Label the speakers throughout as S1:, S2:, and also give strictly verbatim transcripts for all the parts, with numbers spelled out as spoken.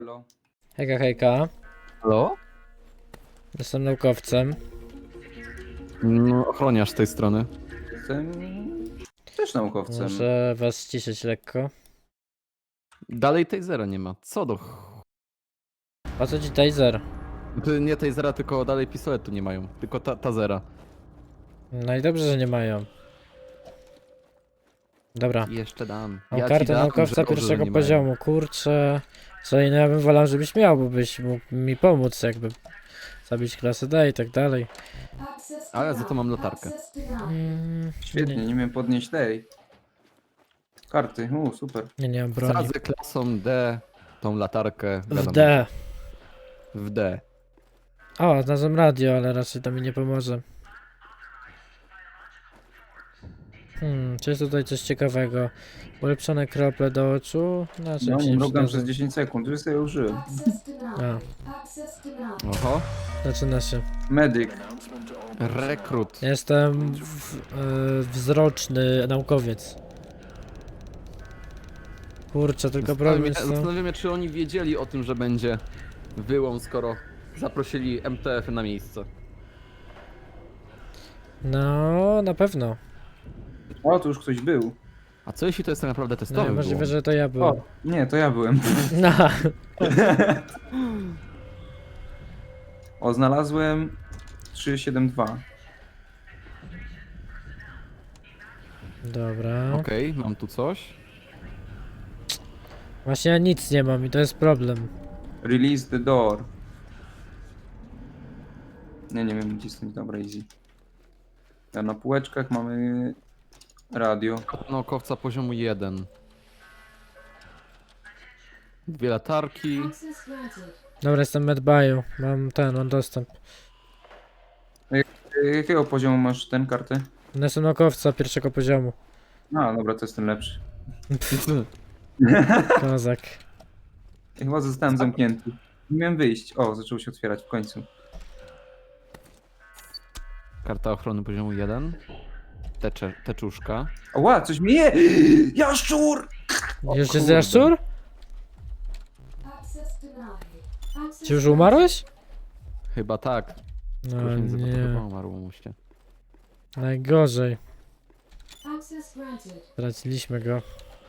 S1: Halo.
S2: Hejka, hejka.
S3: Halo?
S2: Jestem naukowcem.
S3: No, ochroniarz z tej strony.
S1: Jestem też naukowcem.
S2: Muszę was ściszyć lekko.
S3: Dalej tasera nie ma. Co do ch...
S2: Po co ci taser?
S3: Ty nie tasera, tylko dalej pistoletu nie mają. Tylko ta tazera.
S2: No i dobrze, że nie mają. Dobra.
S3: I jeszcze dam.
S2: Mam
S3: Ja ci
S2: kartę
S3: dam,
S2: naukowca
S3: że dobrze, że
S2: pierwszego
S3: nie mają.
S2: poziomu. Kurczę. Co innego ja bym wolał, żebyś miał, bo byś mógł mi pomóc, jakby zabić klasę D i tak dalej.
S3: Ale za to mam latarkę.
S2: Mm,
S1: Świetnie,
S2: nie,
S1: nie umiem podnieść tej karty. U, super.
S2: nie, nie mam broni.
S3: Wsadzę klasą D tą latarkę.
S2: W
S3: wiadomo,
S2: D.
S3: W D.
S2: O, znalazłem radio, ale raczej to mi nie pomoże. Hmm, czy jest tutaj coś ciekawego? Ulepszone krople do oczu? Na czym
S1: No,
S2: się
S1: nie
S2: nie
S1: mrugam
S2: przydadzą?
S1: przez dziesięć sekund, już sobie użyłem.
S2: A,
S3: Oho.
S2: zaczyna się.
S1: Medyk.
S3: Rekrut.
S2: Jestem w, e, wzroczny naukowiec. Kurczę, tylko problem
S3: Zastanawiam
S2: jest
S3: się-
S2: to...
S3: Zastanawiam się, czy oni wiedzieli o tym, że będzie wyłom, skoro zaprosili M T F na miejsce.
S2: No, na pewno.
S1: O, tu już ktoś był.
S3: A co jeśli to jest tak naprawdę
S2: No,
S3: testowy
S2: możliwe,
S3: wyłom?
S2: że to ja byłem.
S1: O, nie, to ja byłem.
S2: No.
S1: O, znalazłem trzysta siedemdziesiąt dwa.
S2: Dobra.
S3: Okej, mam tu coś.
S2: Właśnie ja nic nie mam i to jest problem.
S1: Release the door. Nie, nie wiem cisnąć, dobra, easy. A na półeczkach mamy radio.
S3: Naukowca poziomu jeden. Dwie latarki.
S2: Dobra, jestem medbayu. Mam ten, mam dostęp.
S1: Y, Jakiego poziomu masz ten kartę?
S2: No, jestem naukowca pierwszego poziomu.
S1: A, dobra, to jest ten lepszy.
S2: Kozak.
S1: Ja chyba zostałem zamknięty. Nie miałem wyjść. O, zaczęło się otwierać w końcu.
S3: Karta ochrony poziomu jeden. Tecze, teczuszka.
S1: Ła, coś mi je! Jaszczur! O
S2: Już jest
S1: kurde.
S2: jaszczur? Czy już umarłeś?
S3: Chyba tak.
S2: No
S3: Proszę nie.
S2: nie.
S3: Chyba umarło mu się.
S2: Najgorzej. Straciliśmy go.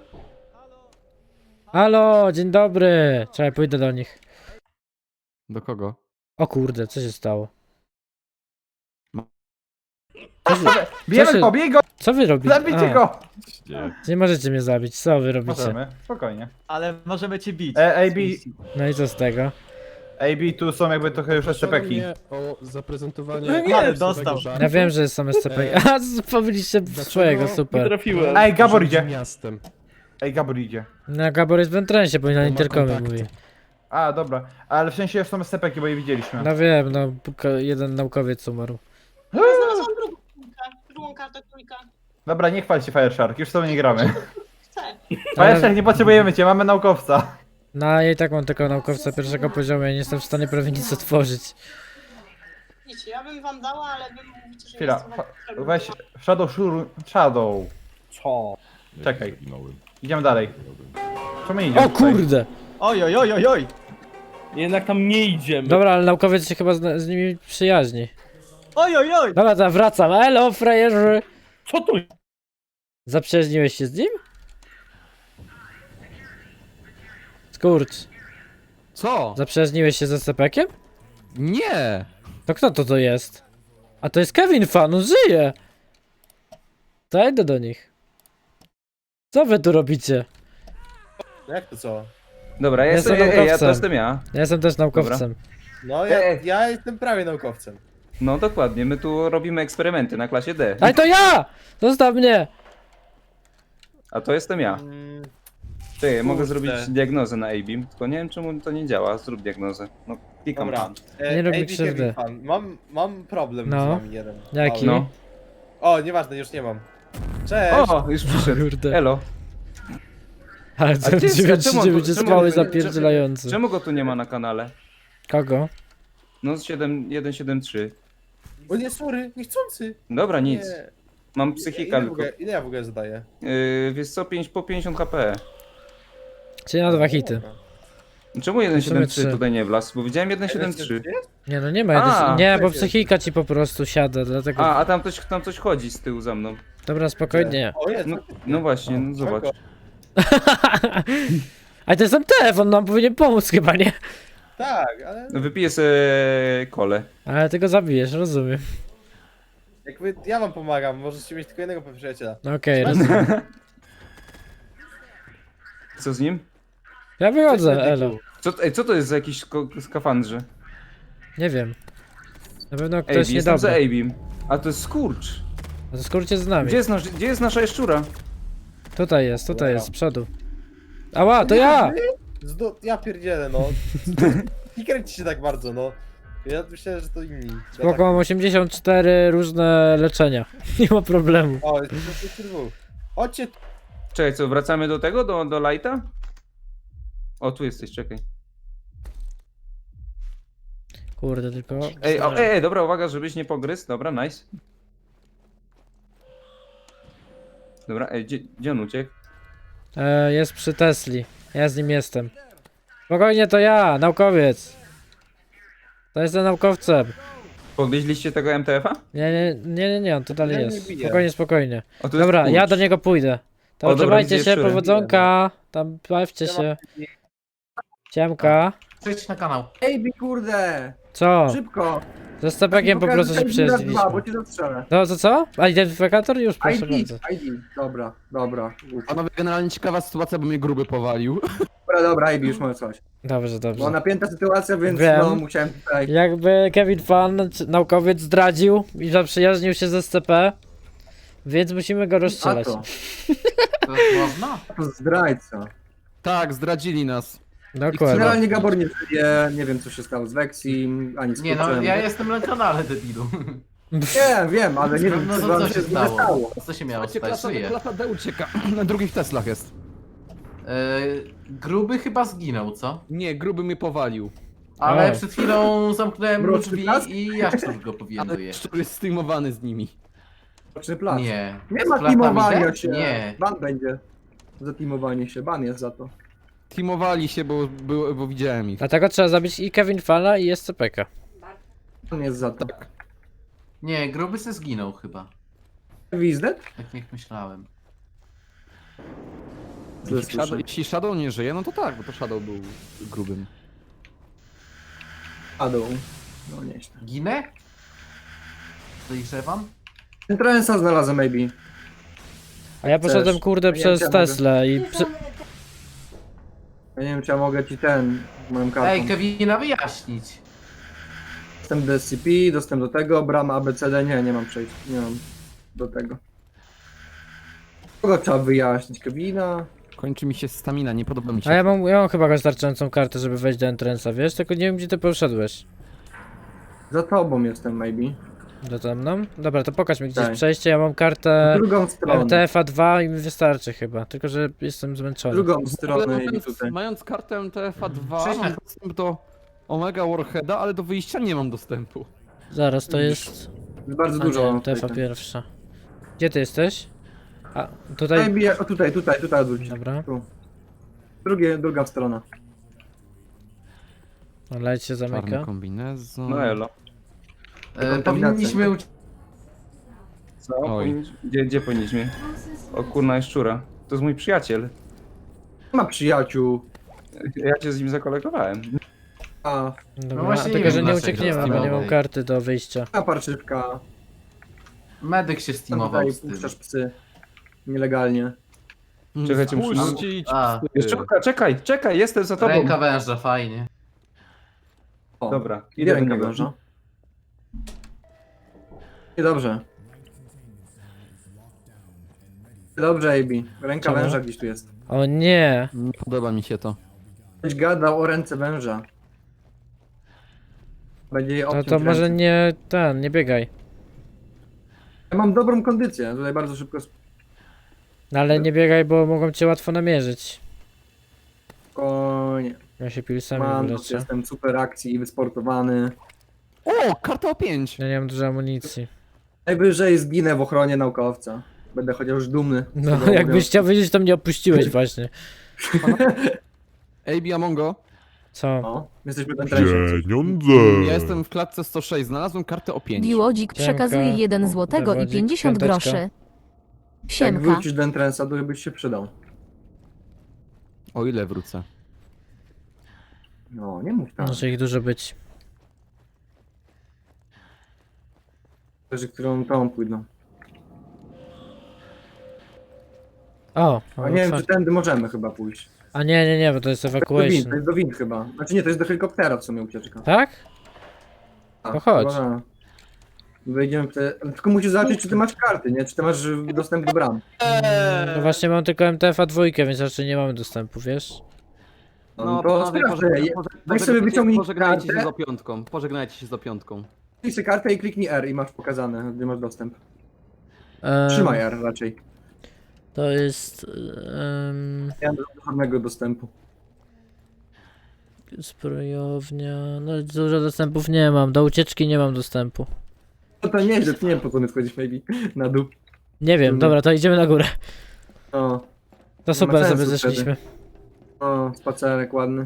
S2: Halo, dzień dobry. Czekaj, pójdę do nich.
S3: Do kogo?
S2: O kurde, co się stało?
S3: Ma-
S2: Co wy,
S4: Bijemy
S2: się-
S4: go, bij go!
S2: co wy robicie?
S4: Zabijcie
S2: A,
S4: go!
S2: Nie możecie mnie zabić, co wy robicie?
S4: Możemy, spokojnie.
S5: Ale możemy cię bić.
S4: E, A B,
S2: No i co z tego?
S4: A B tu są jakby trochę już S C P ki.
S6: mnie o zaprezentowanie...
S5: No nie, ale dostał.
S2: Ja wiem, że są S C P. A, powiedzieliście swojego, super.
S4: Ej, Gabor idzie.
S6: Miastem.
S4: Ej, Gabor idzie.
S2: No, Gabor jest w entrensie, bo na
S6: ma
S2: interkomie
S6: kontakty.
S2: mówi.
S4: A, dobra. Ale w sensie już są S C P ki, bo je widzieliśmy.
S2: No wiem, no, ko- jeden naukowiec umarł.
S7: Znalazłam drugą kulkę, drugą kartę trójka.
S4: Dobra, nie chwal się Fireshark, już z tobą nie gramy.
S7: Chcę.
S4: Fireshark, nie potrzebujemy cię, mamy naukowca.
S2: No, ja i tak mam tylko naukowca pierwszego poziomu, ja nie jestem w stanie prawie nic otworzyć.
S7: Widzicie, ja bym wam dała, ale wy mówicie, że
S4: Chwila,
S7: nie jestem
S4: fa- weź Shadow Shur... Shadow.
S5: Co?
S4: Czekaj. Idziemy dalej. Co my idziemy
S2: O kurde!
S5: Oj, oj, oj, oj, oj.
S8: Jednak tam nie idziemy.
S2: Dobra, ale naukowiec się chyba z, z nimi przyjaźni.
S5: Oj, oj, oj.
S2: Dobra, to wracam. Elo, frajerzy!
S8: Co tu?
S2: Zaprzyjaźniłeś się z nim? Skurcz.
S3: Co?
S2: Zaprzyjaźniłeś się ze S C P kiem?
S3: Nie!
S2: To kto to to jest? A to jest Kevin Fan, on żyje! To ja idę do nich. Co wy tu robicie?
S8: Jak to co?
S1: Dobra, ja
S2: Ja
S1: jestem,
S2: jestem
S1: ej, ej, ja
S2: naukowcem.
S1: to jestem ja.
S2: Ja jestem też naukowcem.
S8: No ja,
S1: Ej.
S8: ja jestem prawie naukowcem.
S1: No dokładnie, my tu robimy eksperymenty na klasie D.
S2: Ale to ja! Zostaw mnie!
S1: A to jestem ja.
S8: Mm,
S1: Ty, ja mogę
S8: Kurde.
S1: zrobić diagnozę na A B I M, tylko nie wiem czemu to nie działa. Zrób diagnozę. No, klikam
S8: dobra.
S1: tam.
S8: E,
S2: Nie robi
S8: A B
S2: krzywdy.
S8: Kevin Fan. Mam, mam problem
S2: No.
S8: z wami jeden.
S2: Jaki?
S8: Mały.
S1: No.
S8: O, nieważne, już nie mam. Cześć!
S1: O, już przyszedł.
S2: Kurde.
S1: Elo.
S2: Ale
S1: A ty,
S2: dziewięć
S1: czemu-
S2: dziewięć
S1: czemu-
S2: spały
S1: czemu-
S2: zapierdzielający.
S1: Czemu go tu nie ma na kanale?
S2: Kogo?
S1: No siedem jeden siedem trzy.
S8: O nie, sorry, niechcący!
S1: Dobra, nic.
S8: Nie.
S1: Mam
S8: Ile,
S1: psychika
S8: w
S1: tylko.
S8: ogóle, ile ja w ogóle zadaję?
S1: Yy, wiesz co, pięć po pięćdziesiąt H P.
S2: Czyli na dwa hity.
S8: Dobra.
S1: Czemu jeden siedem trzy
S2: trzy.
S1: tutaj nie wlazł? Bo widziałem jeden siedem trzy.
S2: Nie no nie ma,
S1: A,
S2: jeden, nie, bo
S8: czekaj.
S2: psychika ci po prostu siada, dlatego...
S1: A, a tam coś, tam coś chodzi z tyłu za mną.
S2: Dobra, spokojnie.
S8: O, jest.
S1: No, no właśnie, no zobacz.
S2: Ale to jest ten telefon, nam powinien pomóc chyba, nie?
S8: Tak, ale
S1: No wypiję sobie kole.
S2: Ale ty go zabijesz, rozumiem.
S8: jakby ja wam pomagam, możecie mieć tylko jednego przyjaciela.
S2: No okej, rozumiem.
S1: Co z nim?
S2: Ja wychodzę, elo.
S1: Co, ej, co to jest za jakiś ko- skafandrze?
S2: Nie wiem. Na pewno
S1: Ej,
S2: ktoś
S1: jestem za
S2: niedobry.
S1: Abim. A to jest skurcz.
S2: A to skórcie z nami.
S1: Gdzie jest, nasz, gdzie jest nasza jaszczura?
S2: Tutaj jest, tutaj jest, z przodu. Ała, to ja!
S8: Zdo... Ja pierdzielę, no. Nie kręci się tak bardzo, no. Ja myślałem, że to inni. Ja
S2: Spoko, mam osiemdziesiąt cztery różne leczenia. Nie ma problemu.
S8: Tak... O, jest to dwóch. Chodźcie.
S1: Czekaj, co, wracamy do tego, do, do lighta? O, tu jesteś, czekaj.
S2: Kurde, tylko...
S1: Ej, o, ej, ej, dobra, uwaga, żebyś nie pogryzł. Dobra, nice. Dobra, ej, gdzie, gdzie on uciekł?
S2: E, jest przy Tesli. Ja z nim jestem. Spokojnie, to ja, naukowiec. To jestem naukowcem.
S1: Podwieźliście tego M T F-a?
S2: Nie, nie, nie, nie, nie, on tu dalej
S8: Ja nie
S2: jest.
S8: biję.
S2: Spokojnie, spokojnie.
S1: O, tu jest
S2: Dobra, ja
S1: kurcz.
S2: do niego pójdę. To
S1: O, dobra,
S2: trzymajcie
S1: widzę
S2: się,
S1: jaszczurę.
S2: powodzonka. Tam bawcie się. Ciemka.
S5: Przejdź na kanał.
S9: Ej, bi kurde!
S2: Co?
S9: Szybko!
S2: Ze stepekiem po prostu się przyjaźniliśmy.
S9: bo cię zastrzelę.
S2: No to co? A identyfikator? Już, proszę
S9: I D,
S2: bardzo.
S9: I D. Dobra, dobra. Uf.
S3: Panowie, generalnie ciekawa sytuacja, bo mnie gruby powalił.
S9: Dobra, dobra, Ej, bi, już mamy coś.
S2: Dobrze,
S9: Była
S2: dobrze.
S9: napięta sytuacja, więc
S2: Wiem.
S9: no musiałem tutaj...
S2: Jakby Kevin Fan, czy- naukowiec, zdradził i zaprzyjaźnił się z S C P, więc musimy go
S9: A
S2: rozstrzelać.
S9: to,
S5: To można?
S9: to zdrajca.
S3: Tak, zdradzili nas.
S2: Dokładnie.
S9: Generalnie Gabor nie żyje, nie wiem co się stało z Vexim, ani z
S5: Nie no,
S9: Kurczem.
S5: ja jestem na kanale, debilu.
S9: Nie, wiem, ale nie wiem
S5: No
S9: co
S5: to
S9: wam
S5: co
S9: się
S5: się
S9: z nim stało.
S5: stało? Co się miało
S3: Słuchajcie,
S5: stać?
S3: klasa,
S5: Żyje.
S3: klasa D ucieka. Na drugich Teslach jest.
S5: Yy, gruby chyba zginął, co?
S3: Nie, gruby mnie powalił.
S5: Ale
S2: O.
S5: przed chwilą zamknąłem mu
S9: Mroczny
S5: drzwi
S9: blask?
S5: i jaszczur go
S3: Ale
S5: powięduje.
S3: szczur jest streamowany z nimi.
S9: Czy plac?
S5: Nie.
S9: Nie
S5: Z
S9: ma
S5: klatami
S9: teamowania
S5: D?
S9: się.
S5: Nie.
S9: Ban będzie. Za teamowanie się, ban jest za to.
S3: Teamowali się, bo, bo, bo widziałem ich.
S2: Dlatego trzeba zabić i Kevin Fana i S C P K.
S9: Ban jest za to.
S5: Nie, gruby se zginął chyba.
S9: Wizdet?
S5: Tak jak myślałem.
S9: Źle
S3: Jeśli Shadow,
S9: słyszę.
S3: jeśli Shadow nie żyje, no to tak, bo to Shadow był grubym.
S9: Padł. No nieźle.
S5: Ginę? Podejrzewam?
S9: Trensa znalazłem, maybe.
S2: A ja poszedłem
S9: Chcesz?
S2: kurde
S9: Ja nie
S2: przez
S9: wiem,
S2: Teslę i... Przy...
S9: Ja nie wiem czy ja mogę ci ten, moją kartą.
S5: Ej, Kevina wyjaśnić.
S9: Dostęp do S C P, dostęp do tego, brama A B C D, nie, nie mam przejść, nie mam do tego. Kogo trzeba wyjaśnić? Kevina?
S3: Kończy mi się stamina, nie podoba mi się.
S2: A ja mam, ja mam chyba wystarczającą kartę, żeby wejść do Entrance'a, wiesz? Tylko nie wiem gdzie ty poszedłeś.
S9: Za tobą jestem, maybe.
S2: Do tam mną? Dobra, to pokaż mi gdzieś
S9: Tak.
S2: przejście, ja mam kartę
S9: Drugą stronę.
S2: M T F A dwa i mi wystarczy chyba, tylko że jestem zmęczony.
S9: Drugą
S3: W ogóle
S9: stronę i
S3: mając,
S9: tutaj.
S3: mając kartę M T F A dwa
S5: Cześć,
S3: mam
S5: na-
S3: dostęp do Omega Warheada, ale do wyjścia nie mam dostępu.
S2: Zaraz, to jest...
S9: Jest bardzo
S2: A
S9: dużo.
S2: nie,
S9: mam
S2: M T F A
S9: tutaj.
S2: pierwsza. Gdzie ty jesteś? A, tutaj...
S9: Maybe, o tutaj, tutaj, tutaj odwróć.
S2: Dobra,
S9: Tu. Drugie, druga strona.
S2: light się
S3: Czarny
S2: zamyka.
S3: kombinezon.
S1: No elo.
S5: E, powinniśmy uciec.
S1: Co?
S3: Oj.
S1: Powinniś- Gdzie, gdzie powinniśmy? O kurna jaszczura. To jest mój przyjaciel.
S9: Nie ma przyjaciół.
S1: Ja cię z nim zakolegowałem.
S9: A,
S2: Dobra,
S5: właśnie nie
S2: tylko
S5: wiem,
S2: że nie
S5: dlaczego
S2: uciekniemy, bo nie mam
S5: Steamowej.
S2: karty do wyjścia.
S9: a parszywka.
S5: Medyk się
S9: Tam
S5: steamował
S9: tutaj
S5: z tym.
S9: puszczasz psy. Nielegalnie.
S1: Czekajcie, muszę-
S3: Puścić
S5: A.
S3: psy.
S1: Jaszczurka, czekaj, czekaj, jestem za tobą.
S5: Ręka węża, fajnie.
S9: O,
S1: Dobra,
S9: Gdzie
S1: idę do
S9: ręka
S1: niego.
S9: węża? Niedobrze. Dobrze, A B. Ręka
S2: Czemu?
S9: węża gdzieś tu jest.
S2: O nie!
S3: Nie podoba mi się to.
S9: Ktoś gadał o ręce węża. Będzie jej
S2: No
S9: obciąć
S2: to może
S9: ręce.
S2: nie ten, nie biegaj.
S9: Ja mam dobrą kondycję, tutaj bardzo szybko
S2: No ale nie biegaj, bo mogą cię łatwo namierzyć.
S9: spokojnie.
S2: Ja się pilsami
S9: Mam,
S2: wyleczę.
S9: jestem super akcji i wysportowany.
S3: O, karta O pięć!
S2: Ja nie mam dużo amunicji.
S9: Najwyżej zginę w ochronie naukowca. Będę chociaż dumny. z
S2: No,
S9: tego
S2: jakbyś chciał wiedzieć, to mnie opuściłeś właśnie.
S3: A B Amongo.
S2: Co?
S9: O, jesteśmy na tresie.
S6: Pieniądze!
S3: Ja jestem w klatce sto sześć, znalazłem kartę o pięć.
S10: Biłodzik
S2: Dzięka.
S10: przekazuje jeden złotego i
S2: Zawodzik,
S10: pięćdziesiąt
S2: piąteczka.
S10: groszy.
S9: Jak
S10: Siemka.
S9: wrócisz do entrance'a, to byś się przydał.
S3: O ile wrócę.
S9: No, nie mów tak.
S2: Może ich dużo być.
S9: Że którą tą pójdą.
S2: O,
S9: A nie wiem, czy
S2: otwarte.
S9: tędy możemy chyba pójść.
S2: A nie, nie, nie, bo to jest
S9: To jest do wind, to
S2: evacuation.
S9: jest do wind chyba. Znaczy nie, to jest do helikoptera w sumie ucieczka.
S2: Tak?
S9: A,
S2: to chodź.
S9: chyba tak. Wejdziemy w te... ale tylko musisz zobaczyć, czy ty masz karty, nie? Czy ty masz y, dostęp do bram.
S2: No właśnie mam tylko M T F a dwójkę, więc raczej nie mamy dostępu, wiesz?
S9: No, to sprawdzę. Je- Weź sobie wyciągnij
S3: Pożegnajcie się z
S9: kartę,
S3: opiątką. Pożegnajcie się z opiątką.
S9: kliknij sobie kartę i kliknij R i masz pokazane, gdzie masz dostęp.
S2: Em,
S9: Trzymaj R raczej.
S2: To jest... Um,
S9: Nie mam żadnego dostępu.
S2: zbrojownia... No dużo dostępów nie mam, do ucieczki nie mam dostępu.
S9: No to nieźle, to nie wiem po co my wchodzisz maybe na dół.
S2: Nie wiem,
S9: Mhm.
S2: dobra, to idziemy na górę.
S9: O,
S2: To super,
S9: sensu
S2: sobie
S9: wtedy.
S2: zeszliśmy.
S9: o, spacerek ładny.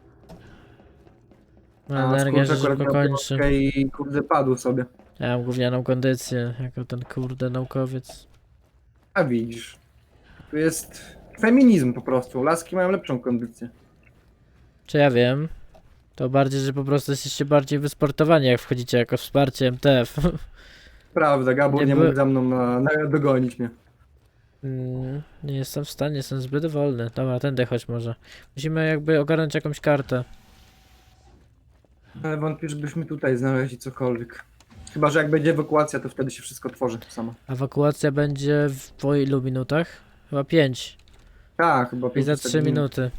S9: A,
S2: Energia się
S9: skurcz akurat
S2: szybko
S9: miał
S2: kończy.
S9: piątkę i kurde padł sobie.
S2: Ja mam gównianą kondycję, jako ten kurde naukowiec.
S9: A widzisz. Tu jest feminizm po prostu. Laski mają lepszą kondycję.
S2: Czy ja wiem? To bardziej, że po prostu jesteście bardziej wysportowani, jak wchodzicie jako wsparcie M T F.
S9: Prawda, Gabor
S2: Nie
S9: nie,
S2: by-
S9: mógł za mną na, na, dogonić mnie.
S2: Mm, nie jestem w stanie, jestem zbyt wolny. Dobra, tędy chodź może. Musimy jakby ogarnąć jakąś kartę.
S9: Ale wątpię, żebyśmy tutaj znaleźli cokolwiek. Chyba, że jak będzie ewakuacja, to wtedy się wszystko tworzy samo.
S2: Ewakuacja będzie w po ilu minutach? Chyba pięć.
S9: Tak, chyba
S2: I
S9: pięć
S2: za trzy minuty.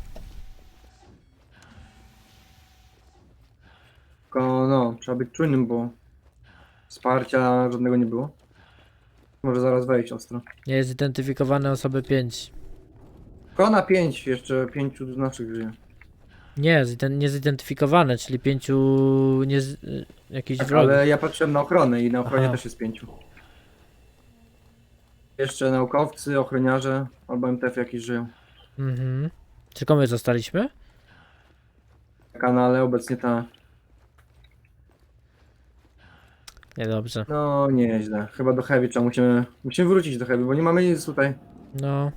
S9: Tylko no, trzeba być czujnym, bo wsparcia żadnego nie było. Może zaraz wejść ostro.
S2: Nie jest zidentyfikowane osoby pięć.
S9: Tylko na pięć, jeszcze pięciu naszych żyje.
S2: Nie, ziden- niezidentyfikowane, czyli pięciu nie z- y, jakichś
S9: Tak,
S2: wrogów.
S9: ale ja patrzyłem na ochronę i na ochronie
S2: Aha.
S9: też jest pięciu. Jeszcze naukowcy, ochroniarze albo M T F jakieś żyją.
S2: Mhm. Tylko my zostaliśmy?
S9: Na kanale obecnie ta.
S2: Niedobrze.
S9: No nieźle. Chyba do Heavy trzeba musimy. Musimy wrócić do Heavy, bo nie mamy nic tutaj.
S2: No.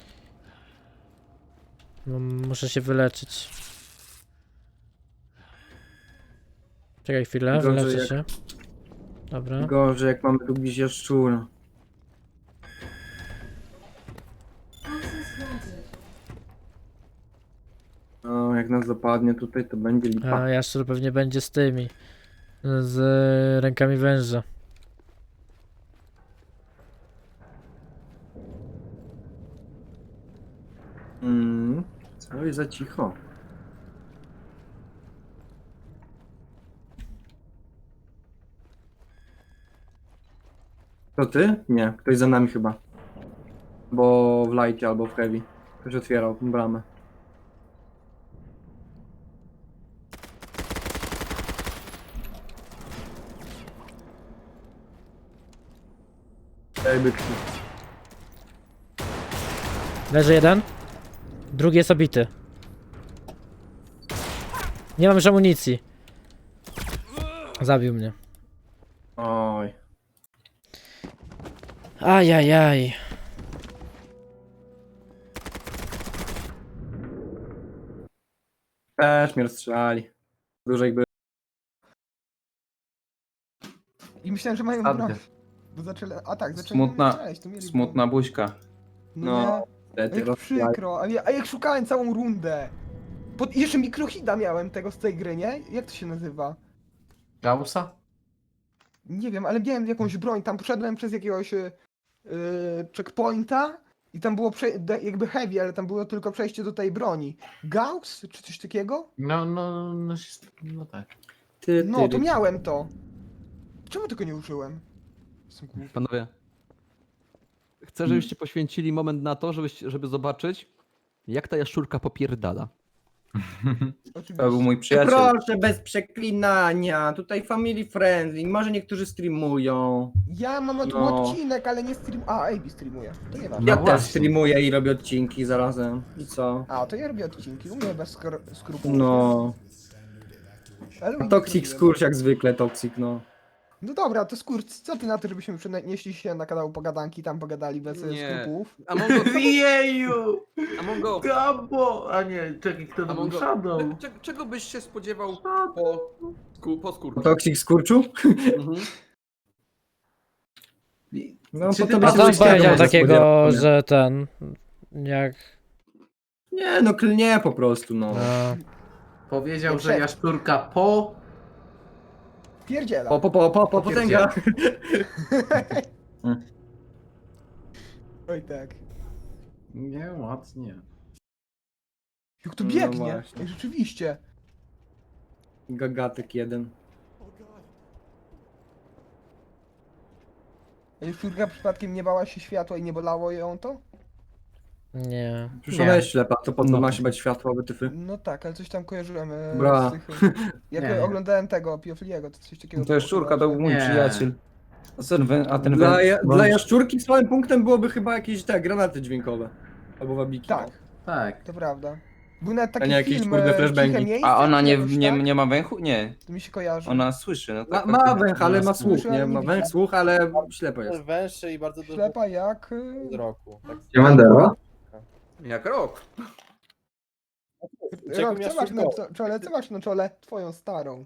S2: no. Muszę się wyleczyć. Czekaj chwilę,
S9: Gorzej
S2: wyleczę
S9: jak-
S2: się. Dobra.
S9: Gorzej jak mamy tu gdzieś jaszczura. No, jak nas dopadnie tutaj, to będzie lipa.
S2: A jaszczur pewnie będzie z tymi. Z rękami węża.
S9: Mm, co jest za cicho? To ty? Nie, ktoś za nami chyba. Bo w lightie albo w heavy. Ktoś otwierał tę bramę. Ej, byczki.
S2: Leży jeden. Drugi jest obity. Nie mam już amunicji. Zabił mnie.
S9: Oj.
S2: Ajajaj.
S9: Też mnie rozstrzelali. Dużo ich było.
S11: I myślałem, że mają
S5: Sadkę.
S11: broń. Bo zaczęli, a tak, zaczęli
S1: Smutna-
S11: strzelać, to mieli
S1: Smutna buźka.
S11: broń.
S9: No,
S11: No,
S9: niestety,
S11: jak
S9: rozstrzelali.
S11: przykro, a ja, a jak szukałem całą rundę. Pod, jeszcze mikrohida miałem tego z tej gry, nie? Jak to się nazywa?
S5: Gaussa?
S11: Nie wiem, ale miałem jakąś broń, tam poszedłem przez jakiegoś yy, checkpointa i tam było prze, de- jakby heavy, ale tam było tylko przejście do tej broni. Gauss? Czy coś takiego?
S5: No, no, no, no tak.
S9: Ty,
S11: No,
S9: ty,
S11: to
S9: ty.
S11: miałem to. Czemu tego nie użyłem? Jestem głupi.
S3: Panowie, chcę, żebyście poświęcili moment na to, żebyś, żeby zobaczyć, jak ta jaszczurka popierdala.
S1: To był
S11: Oczywiście.
S1: mój przyjaciel.
S9: Proszę, bez przeklinania, tutaj family friendly, może niektórzy streamują.
S11: Ja mam na tym
S9: No.
S11: odcinek, ale nie stream... A, A B streamuje. To nie ważne.
S9: Ja
S5: No
S9: też
S5: właśnie.
S9: streamuję i robię odcinki zarazem. I co?
S11: A, to ja robię odcinki, u mnie bez skor- skrupułów.
S9: No.
S11: Ale u
S9: A
S11: nich
S9: Toxic
S11: robiłem.
S9: skurcz jak zwykle, Toxic, no.
S11: No dobra, to skurcz, co ty na to, żebyśmy przenieśli się na kanał Pogadanki, tam pogadali bez e,
S3: Nie.
S11: skrupułów?
S3: Amongo,
S5: Jeju!
S3: Amongo,
S5: Gabo! A nie, czekaj, kto to był?
S3: Amongo,
S5: Shadow.
S3: cze- czego byś się spodziewał po, sku, po skórku?
S9: Toxic skurczu?
S3: Mhm.
S9: No,
S5: Czy
S9: po
S5: ty
S9: tobie
S2: A
S9: się
S2: tam
S9: coś takiego
S2: powiedział
S9: może
S2: takiego,
S9: spodziewać, nie?
S2: że ten... Jak...
S9: Nie, no klnie po prostu, no.
S2: No.
S5: Powiedział,
S11: Nie
S5: że
S11: przed.
S5: jaszczurka po...
S11: Pierdziela.
S9: Po, po, po, po, po, potęga.
S11: Oj tak.
S5: Nie, ładnie.
S11: Jak to
S9: No
S11: biegnie?
S9: właśnie.
S11: Ej, rzeczywiście.
S9: Gagatek jeden.
S11: A jaszczurka przypadkiem nie bała się światła i nie bolało ją to?
S2: Nie.
S9: Przecież
S1: Nie.
S9: ona jest ślepa, to po co
S1: No.
S9: ma się bać światła, wytyfy?
S11: No tak, ale coś tam kojarzyłem e,
S9: Bra.
S11: z tych... Jak
S5: Nie.
S11: oglądałem tego, Piofliego, to coś takiego...
S1: No to jest szczurka, to był mój
S5: Nie.
S1: przyjaciel. A ten, wę- a ten
S9: Dla,
S1: wę-
S9: ja,
S1: wąż-
S9: dla jaszczurki słabym punktem byłoby chyba jakieś te granaty dźwiękowe. Albo wabiki.
S11: Tak,
S5: Tak.
S11: to prawda. Był nawet
S9: A
S11: taki
S9: nie jakieś,
S11: film,
S9: kurde,
S11: e,
S9: flashbangi.
S11: Ciche miejsce,
S1: A ona nie,
S11: jakoś
S1: nie,
S11: tak?
S1: nie ma węchu? Nie.
S11: To mi się kojarzy.
S1: Ona słyszy. No
S9: Ma,
S1: tak,
S9: ma
S1: tak,
S9: węch, ale ma
S1: słyszy.
S9: słuch, nie? Ma węch, słuch, ale ślepo jest.
S8: Węższy i bardzo dużo
S11: Ślepa jak... e,
S8: wzroku. Tak.
S9: Siemandero?
S3: Jak rok.
S8: Czego
S11: Rok, co
S8: miałeś
S11: masz na
S8: szybko?
S11: co- czole? Co masz na czole? Twoją starą.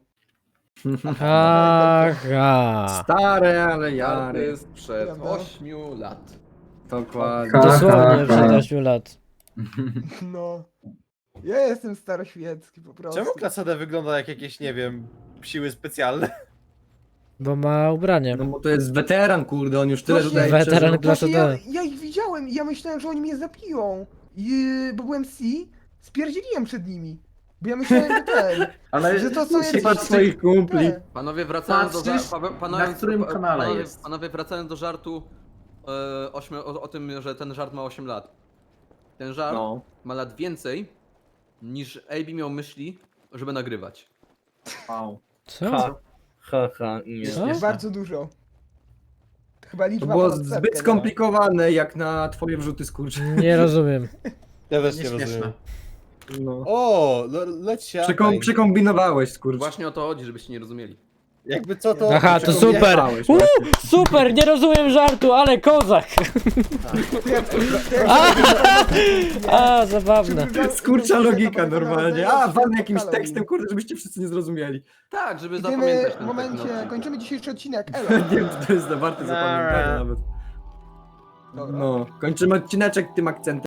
S2: Aha.
S9: Stare, ale
S3: To
S9: jary.
S3: jest przed
S11: Dobra.
S3: ośmiu lat.
S9: Dokładnie.
S2: Dosłownie przed ośmiu lat.
S11: No. Ja jestem staroświecki po prostu.
S8: Czemu klasa D wygląda jak jakieś, nie wiem, siły specjalne?
S2: Bo ma ubranie.
S9: No bo to jest weteran, kurde, on już tyle
S11: Właśnie-
S9: tutaj
S2: Weteran
S9: przeżył.
S2: klasy
S11: Właśnie ja,
S2: D.
S11: ja ich widziałem i ja myślałem, że oni mnie zabiją. I, bo byłem C, spierdzieliłem przed nimi. Bo ja myślałem, że ten,
S5: Ale
S11: że to są
S9: Się
S11: jakieś...
S9: patrz swoich kumpli.
S11: te.
S3: Panowie, wracając do,
S5: Patrzysz,
S3: ża- pa- panowie,
S5: na którym
S3: pa-
S5: kanale
S3: panowie,
S5: jest.
S3: Panowie, wracając do żartu e, ośmiu, o, o tym, że ten żart ma osiem lat. Ten żart
S9: No.
S3: ma lat więcej niż A B miał myśli, żeby nagrywać.
S9: Wow.
S2: Co?
S8: Haha, nie.
S2: Co?
S11: Bardzo dużo. To chyba
S9: To
S11: liczba
S9: było
S11: ponad setkę,
S9: zbyt
S11: nie?
S9: skomplikowane jak na twoje wrzuty skurcz.
S2: Nie rozumiem.
S8: Ja też nie
S5: Nieśmieszne.
S8: rozumiem.
S9: No.
S8: O, le, leć
S9: Przekom przekombinowałeś skurcz.
S3: Właśnie o to chodzi, żebyście nie rozumieli.
S8: Jakby co to...
S2: Aha, to super.
S9: Przekombinowałeś,
S2: Uuu,
S9: właśnie.
S2: super, nie rozumiem żartu, ale kozak.
S11: To jak- to jak-
S2: A, zabawne.
S9: Skurcza logika
S11: To
S9: normalnie.
S11: to
S9: A, walnę jakimś
S11: Halloween.
S9: tekstem, kurde, żebyście wszyscy nie zrozumieli.
S3: Tak, żeby
S11: Idziemy
S3: zapamiętać
S11: w
S3: ten
S11: momencie,
S3: tekst, no.
S11: kończymy dzisiejszy odcinek, elo.
S9: Nie wiem, czy to jest za warte zapamiętania nawet.
S11: Dobra.
S9: No, kończymy odcineczek tym akcentem.